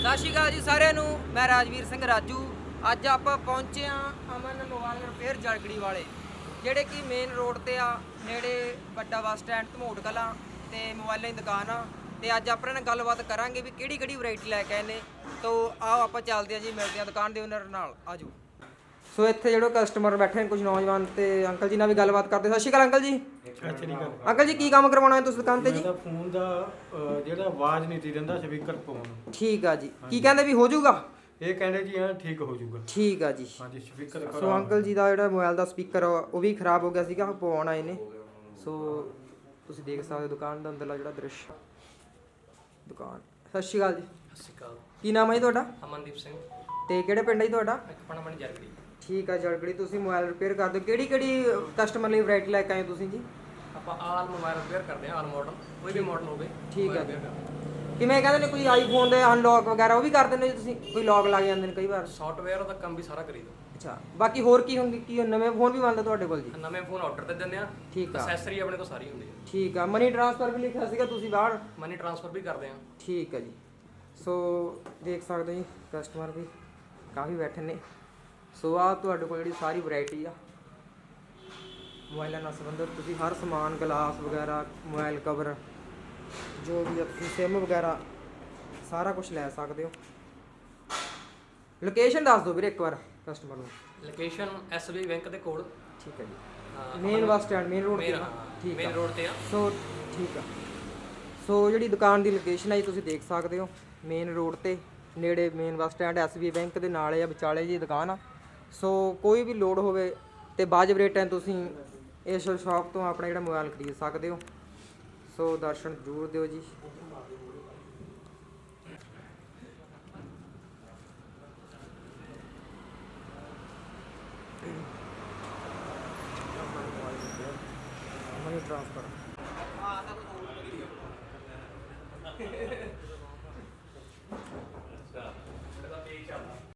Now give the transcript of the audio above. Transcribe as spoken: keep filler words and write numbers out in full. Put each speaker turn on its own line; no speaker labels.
ਸਤਿ ਸ਼੍ਰੀ ਅਕਾਲ ਜੀ ਸਾਰਿਆਂ ਨੂੰ। ਮੈਂ ਰਾਜਵੀਰ ਸਿੰਘ ਰਾਜੂ। ਅੱਜ ਆਪਾਂ ਪਹੁੰਚੇ ਆ ਅਮਨ ਮੋਬਾਈਲ ਰਿਪੇਅਰ ਜਲਗੜੀ ਵਾਲੇ, ਜਿਹੜੇ ਕਿ ਮੇਨ ਰੋਡ ਤੇ ਆ, ਨੇੜੇ ਵੱਡਾ ਬੱਸ ਸਟੈਂਡ ਧਮੋਟ ਕਲਾਂ ਤੇ ਮੋਬਾਈਲਾਂ ਦੀ ਦੁਕਾਨ ਆ। ਤੇ ਅੱਜ ਆਪਾਂ ਨਾਲ ਗੱਲਬਾਤ ਕਰਾਂਗੇ ਵੀ ਕਿਹੜੀ ਕਿਹੜੀ ਵੈਰਾਈਟੀ ਲੈ ਕੇ ਆਏ ਨੇ। ਤੋ ਆਓ ਆਪਾਂ ਚੱਲਦੇ ਆ ਜੀ, ਮਿਲਦੇ ਆ ਦੁਕਾਨ ਦੇ ਓਨਰ ਨਾਲ। ਆਜੋ। ਸੋ ਇੱਥੇ ਜਿਹੜੇ ਕਸਟਮਰ ਬੈਠੇ ਨੇ ਕੁਝ ਨੌਜਵਾਨ, ਤੇ ਅੰਕਲ ਜੀ ਨਾਲ ਵੀ ਗੱਲਬਾਤ ਕਰਦੇ। ਸਤਿ ਸ਼੍ਰੀ ਅਕਾਲ ਅੰਕਲ ਜੀ।
ਸਤਿ ਸ਼੍ਰੀ ਅਕਾਲ
ਅੰਕਲ ਜੀ, ਕੀ ਕੰਮ ਕਰਵਾਉਣਾ ਹੈ ਤੁਸੀਂ ਦੁਕਾਨ ਤੇ ਜੀ?
ਮੇਰਾ ਫੋਨ ਦਾ ਅਹ, ਜਿਹੜਾ ਆਵਾਜ਼ ਨਹੀਂ ਤੀ ਦਿੰਦਾ ਸਪੀਕਰ ਫੋਨ।
ਠੀਕ ਆ ਜੀ। ਕੀ ਕਹਿੰਦੇ ਵੀ ਹੋ ਜਾਊਗਾ?
ਇਹ ਕਹਿੰਦੇ ਜੀ ਹਾਂ ਠੀਕ ਹੋ ਜਾਊਗਾ।
ਠੀਕ ਆ ਜੀ।
ਹਾਂਜੀ ਸਪੀਕਰ
ਸੋ ਅੰਕਲ ਜੀ ਦਾ ਜਿਹੜਾ ਮੋਬਾਈਲ ਦਾ ਸਪੀਕਰ ਉਹ ਵੀ ਖਰਾਬ ਹੋ ਗਿਆ ਸੀਗਾ, ਪਵਾਉਣ ਆਏ ਨੇ। ਸੋ ਤੁਸੀਂ ਦੇਖ ਸਕਦੇ ਹੋ ਦੁਕਾਨ ਦਾ ਅੰਦਰਲਾ ਜਿਹੜਾ ਦ੍ਰਿਸ਼। ਦੁਕਾਨ। ਸਤਿ ਸ਼੍ਰੀ ਅਕਾਲ ਜੀ।
ਸਤਿ ਸ਼੍ਰੀ ਅਕਾਲ।
ਕੀ ਨਾਮ ਹੈ ਜੀ ਤੁਹਾਡਾ?
ਅਮਨਦੀਪ ਸਿੰਘ।
ਤੇ ਕਿਹੜੇ ਪਿੰਡ ਹੈ ਜੀ ਤੁਹਾਡਾ?
ਇੱਕ ਪਣਮਣ ਜਰਗੜੀ।
ਠੀਕ ਆ ਜਲਗੜੀ। ਤੁਸੀਂ ਮੋਬਾਈਲ ਰਿਪੇਅਰ ਕਰਦੇ ਹੋ, ਕਿਹੜੀ ਕਿਹੜੀ ਕਸਟਮਰ ਲਈ ਵੈਰਾਈਟੀ ਲੈ ਕੇ ਆਏ ਹੋ ਤੁਸੀਂ ਜੀ?
ਆਪਾਂ ਆਲ ਮੋਬਾਈਲ ਰਿਪੇਅਰ ਕਰਦੇ ਹਾਂ, ਆਲ ਮਾਡਲ, ਕੋਈ ਵੀ ਮਾਡਲ ਹੋਵੇ।
ਠੀਕ ਆ
mobile
ਜੀ।
repair ਕਰਦੇ ਹਾਂ।
ਕਿਵੇਂ ਕਹਿੰਦੇ ਨੇ ਕੋਈ ਆਈਫੋਨ ਦੇ ਅਨਲੌਕ ਵਗੈਰਾ ਉਹ ਵੀ ਕਰ ਦਿੰਦੇ ਹੋ ਜੀ ਤੁਸੀਂ? ਕੋਈ ਲੌਕ ਲੱਗ ਜਾਂਦੇ ਨੇ ਕਈ ਵਾਰ।
ਸੌਫਟਵੇਅਰ ਦਾ ਕੰਮ ਵੀ ਸਾਰਾ ਕਰੀਦਾ।
ਅੱਛਾ, ਬਾਕੀ ਹੋਰ ਕੀ ਹੁੰਦੀ, ਕੀ ਨਵੇਂ ਫੋਨ ਵੀ ਬਣਦੇ ਤੁਹਾਡੇ ਕੋਲ ਜੀ?
ਨਵੇਂ ਫੋਨ ਆਰਡਰ ਤੇ ਦਿੰਦੇ ਆ।
ਠੀਕ ਆ।
ਐਕਸੈਸਰੀ ਆਪਣੇ ਕੋਲ ਸਾਰੀ ਹੁੰਦੀ ਹੈ।
ਠੀਕ ਆ। ਮਨੀ ਟ੍ਰਾਂਸਫਰ ਵੀ ਲਿਖਿਆ ਸੀਗਾ ਤੁਸੀਂ ਬਾਹਰ।
ਮਨੀ ਟ੍ਰਾਂਸਫਰ ਵੀ ਕਰਦੇ ਆ।
ਠੀਕ ਹੈ ਜੀ। ਸੋ ਦੇਖ ਸਕਦੇ ਹੋ ਜੀ, ਕਸਟਮਰ ਵੀ ਕਾਫੀ ਬੈਠੇ ਨੇ। ਸੋ ਆ ਤੁਹਾਡੇ ਕੋਲ ਜਿਹੜੀ ਸਾਰੀ ਵੈਰਾਈਟੀ ਆ ਮੋਬਾਈਲਾਂ ਨਾਲ ਸੰਬੰਧਿਤ, ਤੁਸੀਂ ਹਰ ਸਮਾਨ, ਗਲਾਸ ਵਗੈਰਾ, ਮੋਬਾਈਲ ਕਵਰ, ਜੋ ਵੀ ਆ, ਤੁਸੀਂ ਸਿਮ ਵਗੈਰਾ ਸਾਰਾ ਕੁਝ ਲੈ ਸਕਦੇ ਹੋ। ਲੋਕੇਸ਼ਨ ਦੱਸ ਦਿਓ ਵੀਰੇ ਇੱਕ ਵਾਰ ਕਸਟਮਰ ਨੂੰ।
ਲੋਕੇਸ਼ਨ ਐਸਬੀਆਈ ਬੈਂਕ ਦੇ ਕੋਲ।
ਠੀਕ ਹੈ ਜੀ।
ਹਾਂ,
main bus stand, main road ਤੇ
ਮੇਨ
ਨਾ? ਠੀਕ
ਮੇਨ
ਆ।
ਰੋਡ ਤੇ ਆ।
ਸੋ ਠੀਕ ਆ। ਸੋ ਜਿਹੜੀ ਦੁਕਾਨ ਦੀ ਲੋਕੇਸ਼ਨ ਹੈ ਜੀ ਤੁਸੀਂ ਦੇਖ ਸਕਦੇ ਹੋ, ਮੇਨ ਰੋਡ ਤੇ ਨੇੜੇ main bus stand, SBI bank ਦੇ ਨਾਲ ਆ, ਵਿਚਾਲੇ ਜੀ ਦੁਕਾਨ ਆ। ਸੋ ਕੋਈ ਵੀ ਲੋੜ ਹੋਵੇ ਤੇ ਵਾਜਬ ਰੇਟਾਂ ਤੁਸੀਂ ਇਸ ਸ਼ਾਪ ਤੋਂ ਆਪਣਾ ਜਿਹੜਾ ਮੋਬਾਈਲ ਖਰੀਦ ਸਕਦੇ ਹੋ। ਸੋ ਦਰਸ਼ਨ ਜ਼ਰੂਰ ਦਿਓ ਜੀ। Money transfer.